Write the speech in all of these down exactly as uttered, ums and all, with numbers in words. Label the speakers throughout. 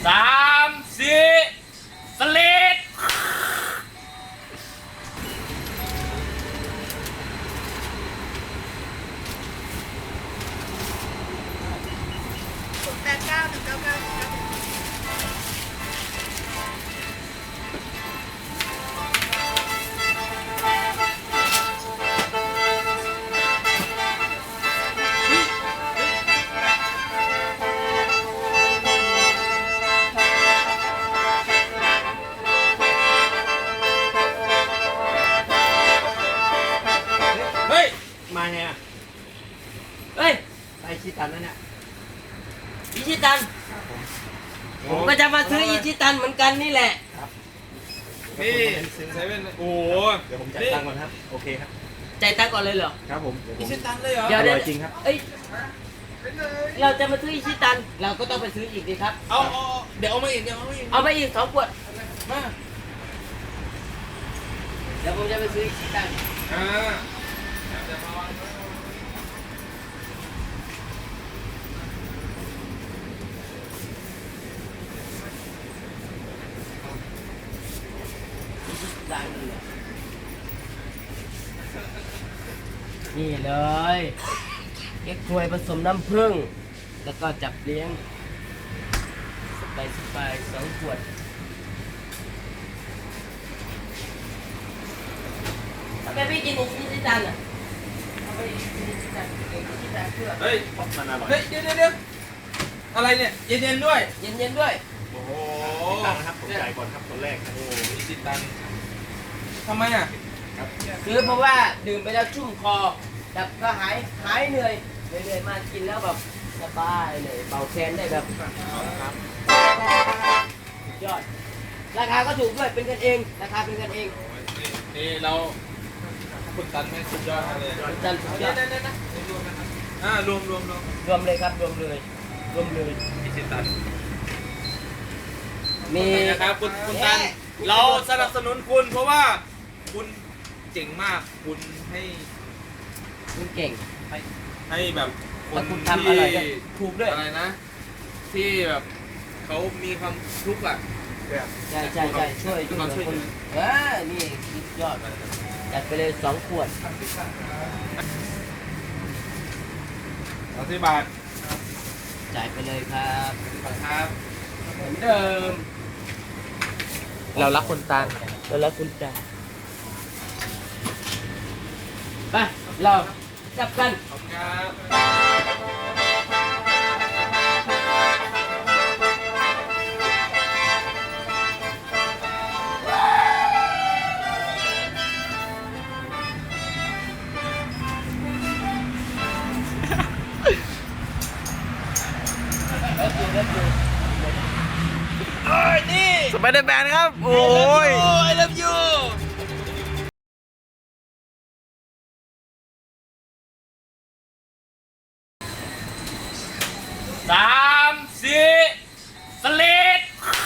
Speaker 1: สามสี่สลิด
Speaker 2: ศูนย์แปดเก้าหนึ่งเก้าเก้าหนึ่งเก้า
Speaker 1: เฮ้ย
Speaker 3: มาไงอ่ะ
Speaker 1: เฮ้ย
Speaker 3: ไปชิตันแล้วเนี่ย
Speaker 1: อิชิตันผมก็จะมาซื้ออิชิตันเหมือนกันนี่แหละ
Speaker 4: นี่เซเว่นโอ้โห
Speaker 3: เดี๋ยวผมจ่ายตังค์ก่อนครับโอเคครับ
Speaker 1: ใจายตังค์ก่อนเลยเหรอ
Speaker 3: ครับผม
Speaker 4: อิชิตันเลยเหรอ
Speaker 1: เดี๋ยว
Speaker 3: อ
Speaker 1: เดี๋
Speaker 3: ร่
Speaker 1: ยว
Speaker 3: อยจริงครับ
Speaker 1: เอ้ยเราจะมาซื้ออิชิตัน เราก็ต้องไปซื้ออีกดีครับ
Speaker 4: เอาเอาเดี๋ยวเอามาอีกเดี๋ยวเอามาอีก
Speaker 1: เอาไปอีกสองขวด
Speaker 4: มา
Speaker 1: เดี๋ยวผมจะไปซื้ออิชิตัน
Speaker 4: อ่า
Speaker 1: นี่เลยเก๊กฮวยผสมน้ำผึ้งแล้วก็จับเลี้ยงสบายสบายสองขวดทำไมพี่กินอิชิตันอ่ะทำไมกินอิชิตันเก่งอิชิตันเพื่อ
Speaker 4: เฮ้ย
Speaker 3: มันอร่อย
Speaker 4: เฮ้ยเดี๋ยวเดี๋ยวเดี๋ยวอะไรเนี่ยเย็นๆด้วย
Speaker 1: เย็นๆด้วย
Speaker 4: โอ้โห
Speaker 3: ตังค์นะครับผมจ่ายก่อนครับคนแรกครับ
Speaker 4: โอ้โหอิชิตันทำไมอ่ะ
Speaker 1: ซื้อเพราะว่าดื่มไปแล้วชุ่มคอแบบก็หายหายเหนื่อยเหนื่อยๆมากินแล้วแบบสบายเลยเบาแค้นได้แบบสุดยอดราคาก็ถูกด้วยเป็นกันเองราคาเป็นกันเอง
Speaker 4: นี่นี่เราคุณตันแม่งสุดยอดมากเลย
Speaker 1: คุณตันสุดย
Speaker 4: เดี๋
Speaker 1: อ
Speaker 4: ยว
Speaker 1: ด
Speaker 4: เดี๋ยวเดี๋ยวนะรวมนะครับอ่ารวมรวมรวม
Speaker 1: รวมเลยครับรวมเลยรวมเลย
Speaker 4: อิชิตัน
Speaker 1: มี
Speaker 4: นี่นะครับคุณคุณตันเราสนับสนุนคุณเพราะว่าคุณเจ๋งมากคุณให้
Speaker 1: คุณเก่ง
Speaker 4: ให้ให้แบบค
Speaker 1: แล้ว
Speaker 4: น
Speaker 1: คุณทำ
Speaker 4: ที่
Speaker 1: อะไรก็ถูกด้วย
Speaker 4: อะไรนะ ที่แบบเขามีความทุกข์อ่ะ
Speaker 1: ใช่ใช่ใช่ช่วยช่วยเหลือคนเออนี่สุดยอดจัดไปเลยสองขวด
Speaker 4: สามสิบบาท
Speaker 1: จ่ายไปเลยครับ
Speaker 4: ครับ
Speaker 1: เหมือนเดิม
Speaker 4: เรารักคนตัน
Speaker 1: แล้วแล้วคุณจ่ายไปเราจับกัน
Speaker 4: ขอบคุณครับ
Speaker 1: แล้วดูแล้วดู
Speaker 4: เอ้ยนี่
Speaker 3: สไปเดอร์แมนครับโอ้ย
Speaker 4: โอ้ย love you
Speaker 1: สามสี่สลิด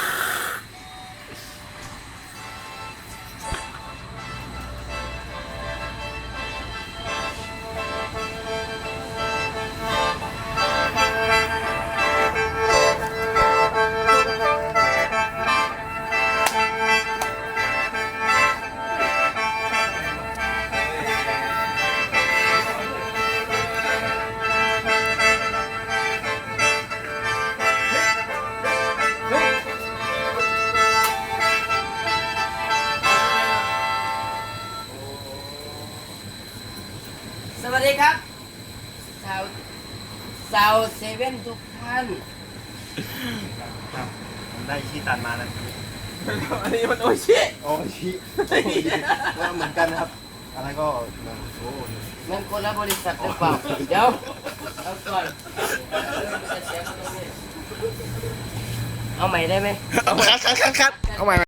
Speaker 1: สวัสดีครับชาวชาวเซเว่นทุกท่าน
Speaker 3: ครับผมได้ชิตันมาแล้ว
Speaker 4: อันนี้มันโอชิ
Speaker 3: โอ้ชิก็เหมือนกันครับอะไรก็มาโอ้
Speaker 1: มันคนละบริษัทหรือเปล่า เดี๋ยวเอาก่อนเอาใหม่ได้ไหม
Speaker 3: เอาคัดคัดคัดคัดเอาใหม่